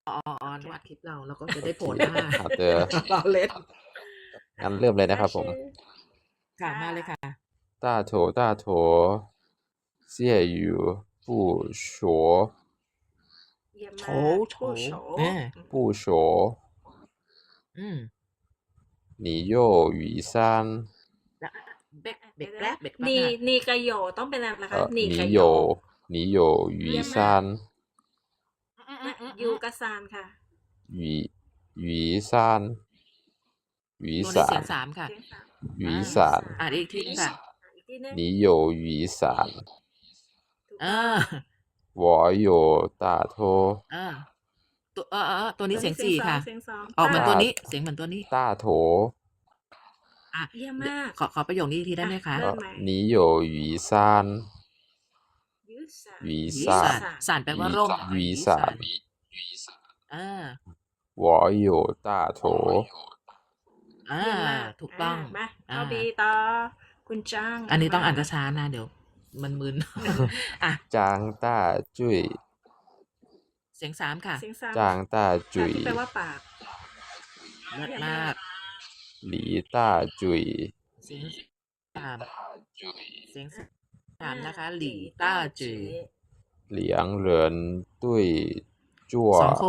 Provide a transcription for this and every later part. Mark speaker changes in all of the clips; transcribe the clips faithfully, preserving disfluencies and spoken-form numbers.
Speaker 1: อ๋ออ๋อ
Speaker 2: โอ
Speaker 1: นึกว่าอัด
Speaker 2: เค
Speaker 1: คลิปเรา เราก็จะ
Speaker 3: โอ
Speaker 1: ได้
Speaker 3: เค
Speaker 1: โผล่หน้า
Speaker 3: 好的
Speaker 1: ล้อเล่น
Speaker 3: งั้นเริ่มเลยนะครับผม
Speaker 1: ค่ะ
Speaker 2: ค่
Speaker 1: มาเลยค่ะ
Speaker 2: ะ
Speaker 3: 大头大头蟹语不说
Speaker 2: เยี่ยม
Speaker 1: โฉ
Speaker 2: มาก
Speaker 1: โฉ
Speaker 2: ปู้โฉ
Speaker 1: อา
Speaker 2: อืม
Speaker 3: 不说
Speaker 1: อืม
Speaker 3: 你又雨山
Speaker 1: แล้ว เบรก
Speaker 2: อะ
Speaker 1: เบร
Speaker 2: เดี๋
Speaker 1: ก
Speaker 2: ยว
Speaker 1: แป๊บ
Speaker 2: ๆ
Speaker 1: เบรกแป๊
Speaker 2: ๆ น
Speaker 1: บีค่ะ
Speaker 2: นีกับโหย่ต้องเป็นอะไรนะคะ
Speaker 3: 呃，
Speaker 2: นีกับ
Speaker 3: 你
Speaker 2: โหย่
Speaker 3: 有你有雨
Speaker 2: เยี่ยม
Speaker 3: 山
Speaker 2: มาก
Speaker 1: อื
Speaker 2: นะ
Speaker 1: อ ๆ
Speaker 2: ยู
Speaker 1: ๆ ๆ
Speaker 2: กับซานค่ะ
Speaker 3: 雨雨山雨
Speaker 1: ตัวนี้เสียง
Speaker 3: 伞
Speaker 1: สาม ค่ะ
Speaker 2: เสียง สาม
Speaker 3: 雨
Speaker 1: อา
Speaker 3: 伞
Speaker 1: อ่านอีกทีหนึ่งค่ะ
Speaker 2: อ่า อีกทีหนึ่ง
Speaker 3: 你有雨伞
Speaker 2: ถูก
Speaker 1: เอ
Speaker 2: ต้อง
Speaker 1: อ
Speaker 3: 我有大头
Speaker 1: เออ ตัว เออ ๆ ๆ ตัวนี้
Speaker 2: ตัว
Speaker 1: เสี
Speaker 2: นี้
Speaker 1: ยง
Speaker 2: เสีย
Speaker 1: สี่
Speaker 2: ง สอ
Speaker 1: ค่
Speaker 2: ง
Speaker 1: ะ
Speaker 2: เสียง สอง
Speaker 1: ออกเหมือนตัว
Speaker 3: 大
Speaker 1: นี้ เสียงเหมือนตัวนี้
Speaker 3: 大头
Speaker 1: อะ
Speaker 2: เยี่ยม
Speaker 1: เด
Speaker 2: มาก
Speaker 1: ขอ ขอประโยคนี้อีกทีได้
Speaker 2: อะ
Speaker 1: ไหมคะ?
Speaker 2: เริ่ม
Speaker 3: 呃，
Speaker 2: ใหม่
Speaker 3: 你有雨伞
Speaker 2: ยื้อสาน
Speaker 3: 雨
Speaker 1: 雨
Speaker 3: 伞
Speaker 1: 伞 伞แปลว่า ร่ม
Speaker 3: 雨
Speaker 1: 雨
Speaker 3: 伞
Speaker 1: 伞 เออ
Speaker 3: 我有大头
Speaker 1: อา
Speaker 2: เยี่ยมมาก
Speaker 1: ถูก
Speaker 2: อา
Speaker 1: ต้อง
Speaker 2: มา
Speaker 1: อ
Speaker 2: เอา
Speaker 1: า
Speaker 2: B ต่อ คุณจ้าง
Speaker 1: อันนี้ต้องอ่าน
Speaker 2: ม
Speaker 1: ช้า ๆ นะ เดี๋ยวมันมึน อะ
Speaker 3: 张大嘴
Speaker 1: เสียง สาม ค่ะ
Speaker 2: เสียง สาม
Speaker 3: 张大
Speaker 2: ค่ะ
Speaker 3: 嘴
Speaker 2: ที่แปลว่าปาก
Speaker 1: เลิศ
Speaker 2: เยี่ยม
Speaker 1: ม
Speaker 2: มา
Speaker 1: าก ก
Speaker 3: 李大嘴
Speaker 1: เสียง สาม เสียง ส สาม นะคะ
Speaker 2: อา
Speaker 1: ห
Speaker 2: ห
Speaker 1: ลี่
Speaker 2: ลี่
Speaker 1: ต้า
Speaker 2: ต้า
Speaker 1: จื่อ
Speaker 2: จื่อ
Speaker 3: 两人对坐
Speaker 1: สอง คน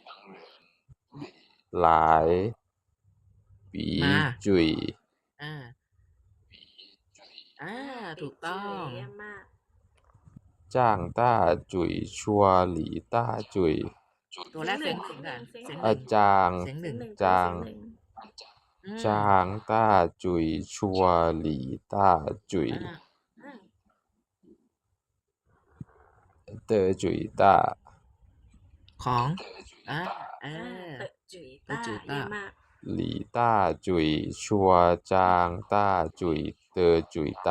Speaker 3: 来
Speaker 1: มา
Speaker 3: 比嘴
Speaker 1: อา อา
Speaker 2: อา
Speaker 1: ถูก
Speaker 2: 比
Speaker 1: ต้อ
Speaker 2: 嘴
Speaker 1: ง
Speaker 2: เยี่ยมมาก
Speaker 3: 张大嘴说李大嘴
Speaker 1: ตัว
Speaker 2: เสี
Speaker 1: แร
Speaker 2: ยง
Speaker 1: ก
Speaker 2: ห
Speaker 1: เสี
Speaker 2: นึ
Speaker 1: ย่ง
Speaker 2: ง
Speaker 1: หนึ่ง
Speaker 2: เสียง
Speaker 1: ค่ะ
Speaker 2: หนึ่ง
Speaker 1: เสียง หนึ่ง
Speaker 3: 呃，张
Speaker 1: เสียง ห
Speaker 2: เสีย
Speaker 1: นึ่
Speaker 2: ง
Speaker 1: ง
Speaker 2: หนึ่ง
Speaker 3: 张
Speaker 2: ตัวนี้เสียงหนึ่ง
Speaker 1: อืม
Speaker 3: 张大嘴说李大嘴
Speaker 1: อา
Speaker 2: อา
Speaker 3: 的嘴大
Speaker 1: ของ อา เอ
Speaker 2: อา
Speaker 1: อ
Speaker 2: เตอะจุ๋ย
Speaker 1: เตอะ
Speaker 2: ต้า
Speaker 1: จุ๋ย
Speaker 2: เยี่
Speaker 1: ต้า
Speaker 2: ยมมาก
Speaker 3: 李大嘴说张大嘴的嘴大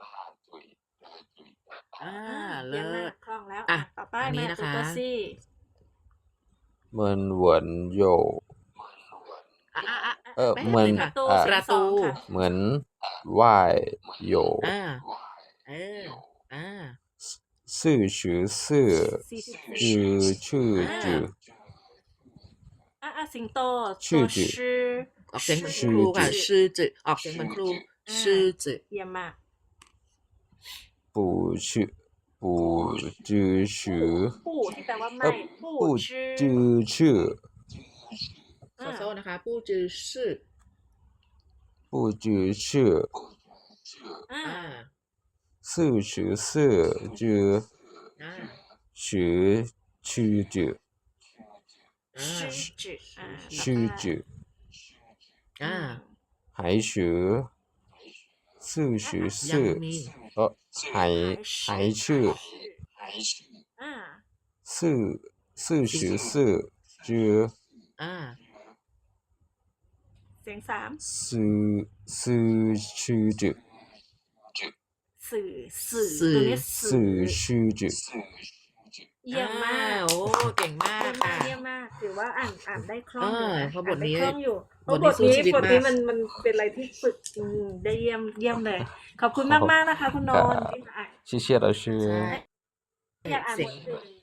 Speaker 1: อา
Speaker 2: อา
Speaker 1: เ
Speaker 2: เยี่ยม
Speaker 1: ลิ
Speaker 2: มาก
Speaker 1: ศ
Speaker 2: คล่องแล้ว
Speaker 1: อ
Speaker 2: อะ
Speaker 1: ะ
Speaker 2: ต่อไป
Speaker 1: อันนี้
Speaker 2: มา
Speaker 1: นะ
Speaker 2: ตัว
Speaker 1: คะ
Speaker 2: ตัว C
Speaker 3: 闷闻有
Speaker 1: อะ ๆ
Speaker 2: อะ
Speaker 1: ๆ
Speaker 3: เออ
Speaker 1: แป๊บ
Speaker 3: เหมือน
Speaker 1: หนึ่ง
Speaker 2: ป
Speaker 1: ค่ะ
Speaker 2: ระตู
Speaker 3: อ่า
Speaker 2: เสี
Speaker 1: ป
Speaker 2: ย
Speaker 1: ร
Speaker 2: ง
Speaker 1: ะ
Speaker 2: ส
Speaker 1: ต
Speaker 2: อู ง ค่ะ
Speaker 3: เหมือนว่าย有
Speaker 1: อา เออ อา
Speaker 3: 四十四
Speaker 2: สี่สิบสี่
Speaker 3: จือชื่อ
Speaker 1: อา
Speaker 3: จือ
Speaker 2: อา ๆ สิงโต
Speaker 3: ชื่
Speaker 2: ตัว
Speaker 3: อจือ
Speaker 2: ชื่อ
Speaker 1: ออกเสียงเหมือน
Speaker 3: ชื่
Speaker 1: ค
Speaker 3: อ
Speaker 1: รูค่ะ
Speaker 3: จือ
Speaker 1: ชื่อจือ ออกเสียงเหมือนครู
Speaker 2: อา
Speaker 1: ชื่อจือ
Speaker 2: เยี่ยมมาก
Speaker 3: 不ชื่อ不จือชื่อ
Speaker 2: ปู่ ที่แปลว่า
Speaker 3: เอ่
Speaker 2: ไม่
Speaker 3: อ
Speaker 2: ปู่
Speaker 3: 不
Speaker 2: ชื่อ
Speaker 3: จือชื่อ
Speaker 1: โซ
Speaker 2: อา
Speaker 1: โซ นะคะ ปู้จือชื่อ
Speaker 3: 不จือชื่อ
Speaker 2: อา
Speaker 1: อา
Speaker 3: 四十四จือ
Speaker 1: อา
Speaker 3: ชื่อชื่อจือ
Speaker 1: อา
Speaker 2: ชื่อจือ อา ต่อ
Speaker 3: ชื่อ
Speaker 2: ไป
Speaker 3: จือ
Speaker 1: อ
Speaker 2: อื
Speaker 1: า
Speaker 2: ม
Speaker 3: 还ชื่อ四十
Speaker 1: ยัง
Speaker 3: 四
Speaker 1: มี
Speaker 3: เอ่อ还还ชื่อ
Speaker 2: อา
Speaker 3: 四四十四จือ
Speaker 1: อา
Speaker 2: เสียง สาม
Speaker 3: สื่อสื่อชื่อจือ
Speaker 2: สื่อ สื่อ
Speaker 1: สื่
Speaker 2: ตั
Speaker 1: อ
Speaker 2: วนี้ สื่
Speaker 3: สื่อ
Speaker 2: อ
Speaker 3: ชื่อจือ
Speaker 2: เยี่ยมมาก
Speaker 1: อา โอ้ เก่งมา
Speaker 2: เยี่
Speaker 1: ก
Speaker 2: ยม
Speaker 1: ค่
Speaker 2: มาก
Speaker 1: ะ
Speaker 2: เยี่ยมมาก ถือว่าอ่าน อ่านได้คล่
Speaker 1: เอ
Speaker 2: องอยู่
Speaker 1: อ
Speaker 2: นะ
Speaker 1: เพราะบ
Speaker 2: อ่าน
Speaker 1: ท
Speaker 2: ได้
Speaker 1: นี้
Speaker 2: คล่องอยู่ เพ
Speaker 1: บ
Speaker 2: ราะ
Speaker 1: ท
Speaker 2: บ
Speaker 1: นี้
Speaker 2: ท
Speaker 1: สู้
Speaker 2: นี้
Speaker 1: ชีวิต
Speaker 2: บท
Speaker 1: มา
Speaker 2: นี้
Speaker 1: ก
Speaker 2: มัน มันเป็นอะไรที่ฝึก อืม ได้เยี่ยม เยี่ยมเลย ขอบคุณ
Speaker 3: ครับผม
Speaker 2: มาก ๆ นะคะ คุณนนท์ ที่มาอ่าน
Speaker 3: 谢谢老师
Speaker 1: ใช่
Speaker 2: อยากอ่าน
Speaker 1: เสี
Speaker 2: บ
Speaker 1: ยง
Speaker 2: ทอื่น